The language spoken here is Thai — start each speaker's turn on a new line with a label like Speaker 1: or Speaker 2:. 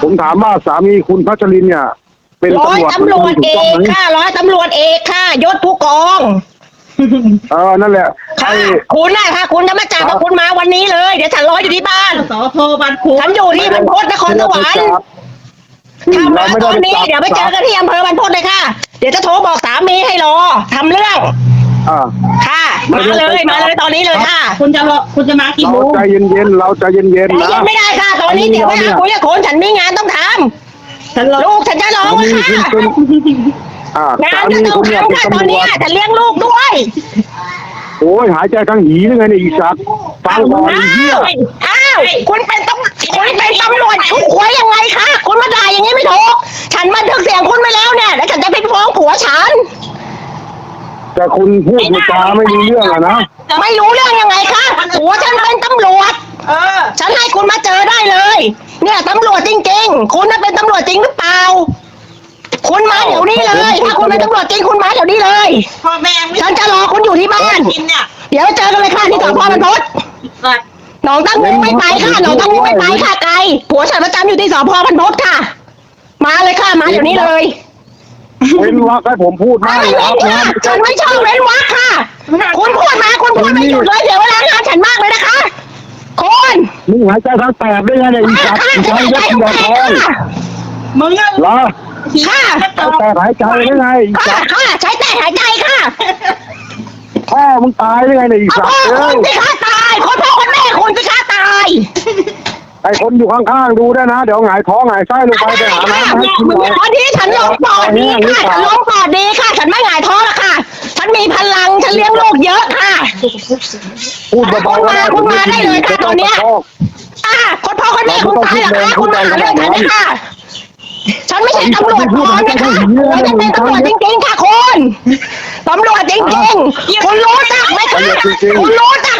Speaker 1: ผมถามว่าสามีคุณพัชรินเนี่ยเป็น
Speaker 2: ร้อยตำรวจเอกค่ะร้อยตำรวจเอกค่ะยศผู้กอง
Speaker 1: นั่นแหละ
Speaker 2: ค่ะคุณน่ะค่ะคุณจะมาจับกับคุณมาวันนี้เลยเดี๋ยวฉันรออยู่ที่บ้าน
Speaker 3: สพบางขุน
Speaker 2: ฉันอยู่ที่บรรพตนครสวรรค์ทำมาตอนนี้เดี๋ยวไปเจอกันที่อำเภอบรรพตเลยค่ะเดี๋ยวจะโทรบอกสามีให้รอทำเรื่องค่ะมาเลยตอนนี้เลยค่ะ
Speaker 3: คุณจะมากี่โม
Speaker 1: เรา
Speaker 3: ง
Speaker 1: ใจเย็นๆเราใจเย็นๆ
Speaker 2: ใจ
Speaker 1: นะ
Speaker 2: เย็นไม่ได้ค่ะ ตอนนี้เดี๋ยวไปหาคุยกับคนฉันมีงานต้องท
Speaker 3: ฉันรอ
Speaker 2: ำลูกฉันจะร้อง
Speaker 1: สามี
Speaker 2: ค่ะ
Speaker 1: คุณเป็น
Speaker 2: งาน
Speaker 1: สา
Speaker 2: จะ
Speaker 1: มี
Speaker 2: ต้อง
Speaker 1: คุณเนี่ย
Speaker 2: ทำ
Speaker 1: เป็น
Speaker 2: ค่ะตอน
Speaker 1: ตำร
Speaker 2: นี้
Speaker 1: วจ
Speaker 2: ฉันเลี้ยงลูกด้วย
Speaker 1: โอ้ยหายใจทั้งหีนี่ไงเนี่ยอีสัตว์ฟังก่อนไอ้เหี้ย
Speaker 2: อ้าวคุณเป็นตำรวจคุณควยยังไงคะคุณมาด่าอย่างนี้ไม่ถูกฉันบันทึกเสียงคุณไปแล้วเนี่ยแล้วฉันจะไปฟ้องผัวฉัน
Speaker 1: แต่คุณพูดจาไม่รู้เรื่องอะนะ
Speaker 2: ไม่รู้เรื่องยังไงคะผัวฉันเป็นตำรวจฉันให้คุณมาเจอได้เลย เนี่ยตำรวจจริงๆคุณน่ะเป็นตำรวจจริงหรือเปล่าคุณมาเดี๋ยวนี้เลยถ้าคุณเป็นตำรวจจริงคุณมาเดี๋ยวนี้เลย
Speaker 3: พ่อแม่
Speaker 2: ฉันจะรอคุณอยู่ที่บ้าน
Speaker 3: กินเนี่ย
Speaker 2: เดี๋ยวเจอกันเลยค่ะที่สพบรรพต
Speaker 3: สัตว์
Speaker 2: หนองตั้งงูไม่ไปค่ะหนองตั้งงูไม่ไปค่ะไกลผัวฉันประจำอยู่ที่สพบรรพตค่ะ มาเลยค่ะมาเดี๋ยวนี้เลย
Speaker 1: เว้นวรรคให้ผมพูดมาก
Speaker 2: ไม่
Speaker 1: เลย
Speaker 2: เว้น
Speaker 1: นะ
Speaker 2: ค่ะฉันไม่ชอบเว้นวรรคค่ะ คุณพูดมาคุณพูดไม่หยุดเลยเดี๋ยวเวลางานฉันมากเลยนะคะคุณ
Speaker 1: มึงหายใจทั้งแปดได้ไงเนี่ยอีสัตว์
Speaker 2: ค่ะ
Speaker 1: อี
Speaker 2: จะ
Speaker 1: สัต
Speaker 2: ไม่
Speaker 1: ว์
Speaker 2: ได้
Speaker 1: ยัด
Speaker 2: ทุ
Speaker 1: เยีย
Speaker 2: ก
Speaker 1: ด
Speaker 2: แผล
Speaker 1: ทอง
Speaker 2: ค่ะ
Speaker 3: มึงอะ
Speaker 1: เหรอ
Speaker 2: ค่ะ
Speaker 1: แต่หายใจได้ไงอี
Speaker 2: ค่ะ
Speaker 1: สัตว์
Speaker 2: ค่ะใช้แต่หายใจค่ะ
Speaker 1: พ่อมึงตายได้ไงเนี่ยอี
Speaker 2: เอา
Speaker 1: สัต
Speaker 2: พ่อ
Speaker 1: ว์
Speaker 2: คุณสิคะตายคนพ่อคนแม่คุณสิคะตาย
Speaker 1: ไอคนอยู่ข้างๆดูได้วยนะเดี๋ยวหงายท้องหงายไส้ลงไปไปหาน้ำมาให้กินหน่อย
Speaker 2: ตอนนี้ฉันลงปอดดีค่ะฉันลงปอดดีค่ะ ฉันไม่หงายท้องแล้วค่ะ ฉันมีพลังฉันเลี้ยงลูกเยอะค่ะ
Speaker 1: พูดเบาๆก็ได้
Speaker 2: คุณมาได้เลยค่ะตอนเนี้ย คนพ่อคนแม่คุณตายเหรอคะคุณมาหาเรื่องฉันนะคะ ฉันไม่ใช่ตำรวจปลอมนะคะฉันจะเป็นตำรวจจริงๆค่ะคุณตำรวจจริงๆคุณรู้จักไหมคะคุณรู้จัก